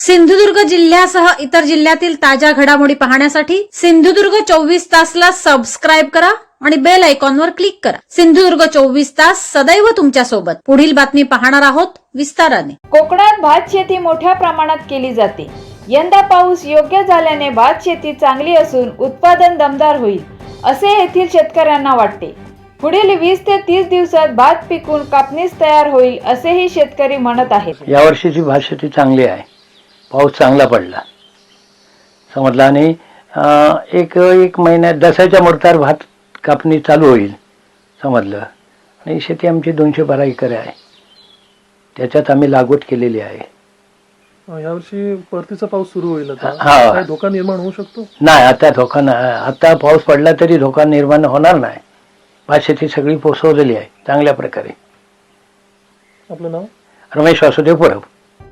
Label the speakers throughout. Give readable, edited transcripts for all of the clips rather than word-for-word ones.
Speaker 1: सिंधुदुर्ग जिल्ह्यासह इतर जिल्ह्यातील ताज्या घडामोडी पाहण्यासाठी सिंधुदुर्ग 24 तासला सबस्क्राईब करा आणि बेल आयकॉनवर क्लिक करा। सिंधुदुर्ग 24 तास सदैव तुमच्या सोबत। पुढील बातमी पाहणार आहोत विस्ताराने।
Speaker 2: कोकणात भात शेती मोठ्या प्रमाणात केली जाते। यंदा पाऊस योग्य झाल्याने भात शेती चांगली असून उत्पादन दमदार होईल असे येथील शेतकऱ्यांना वाटते। पुढील 20 ते 30 दिवसात भात पिकून कापणीस तयार होईल असेही शेतकरी म्हणत आहेत।
Speaker 3: यावर्षीची भात शेती चांगली आहे। पाऊस चांगला पडला समजला आणि एक महिन्यात दसऱ्याच्या मुहूर्तावर भात कापणी चालू होईल समजलं। आणि शेती आमची 212 एकर आहे, त्याच्यात आम्ही लागवड केलेली आहे।
Speaker 4: यावर्षी परतीचा पाऊस सुरू होईल आता,
Speaker 3: हा,
Speaker 4: काय धोका निर्माण होऊ शकतो?
Speaker 3: नाही, आता धोका नाही। आता पाऊस पडला तरी धोका निर्माण होणार नाही। भात शेती सगळी पोसवलेली आहे चांगल्या प्रकारे।
Speaker 4: आपलं नाव?
Speaker 3: रमेश वासुदेव परब।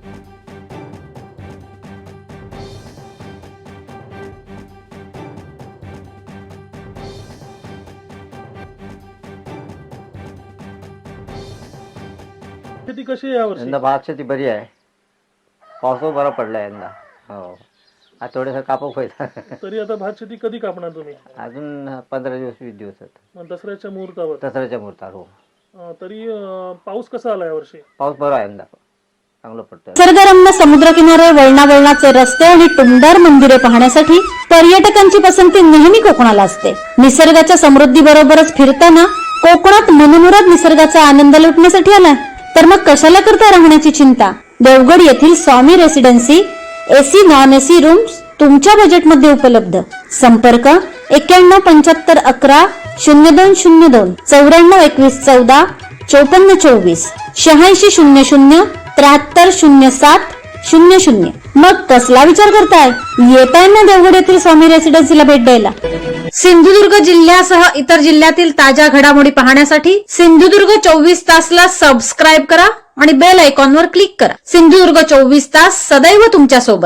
Speaker 4: शेती कशी आहे यावर्षी?
Speaker 5: यंदा भात शेती बरी आहे, पाऊस बरा पडला यंदा। हो, आता थोडंसं कापक होईल।
Speaker 4: तरी आता भात शेती कधी कापणार तुम्ही?
Speaker 5: अजून 15 दिवस 20 दिवस
Speaker 4: मग दसऱ्याच्या मुहूर्तावर?
Speaker 5: दसऱ्याच्या मुहूर्तावर। हो,
Speaker 4: तरी पाऊस कसा आला यावर्षी?
Speaker 5: पाऊस बरा आहे यंदा, चांगलं पडतं।
Speaker 1: निसर्गरम्य समुद्रकिनारे, वळणावळणाचे रस्ते आणि टुमदार मंदिरे पाहण्यासाठी पर्यटकांची पसंती नेहमी कोकणाला असते। निसर्गाच्या समृद्धी बरोबरच फिरताना कोकणात मनमुराद निसर्गाचा आनंद लुटण्यासाठी आलाय तर मग कशाला करता राहण्याची चिंता। देवगड येथील Swami residency AC non AC rooms तुमच्या बजेटमध्ये उपलब्ध। संपर्क 917511 0202 942114 5424 8600 7307 00। मग कसला विचार करताय, येताय ना देवगड येथील स्वामी रेसिडेन्सीला भेट द्यायला। सिंधुदुर्ग जिल्ह्यासह इतर जिल्ह्यातील ताज्या घडामोडी पाहण्यासाठी सिंधुदुर्ग 24 तासला सबस्क्राईब करा आणि बेल आयकॉनवर क्लिक करा। सिंधुदुर्ग 24 तास सदैव तुमच्या सोबत।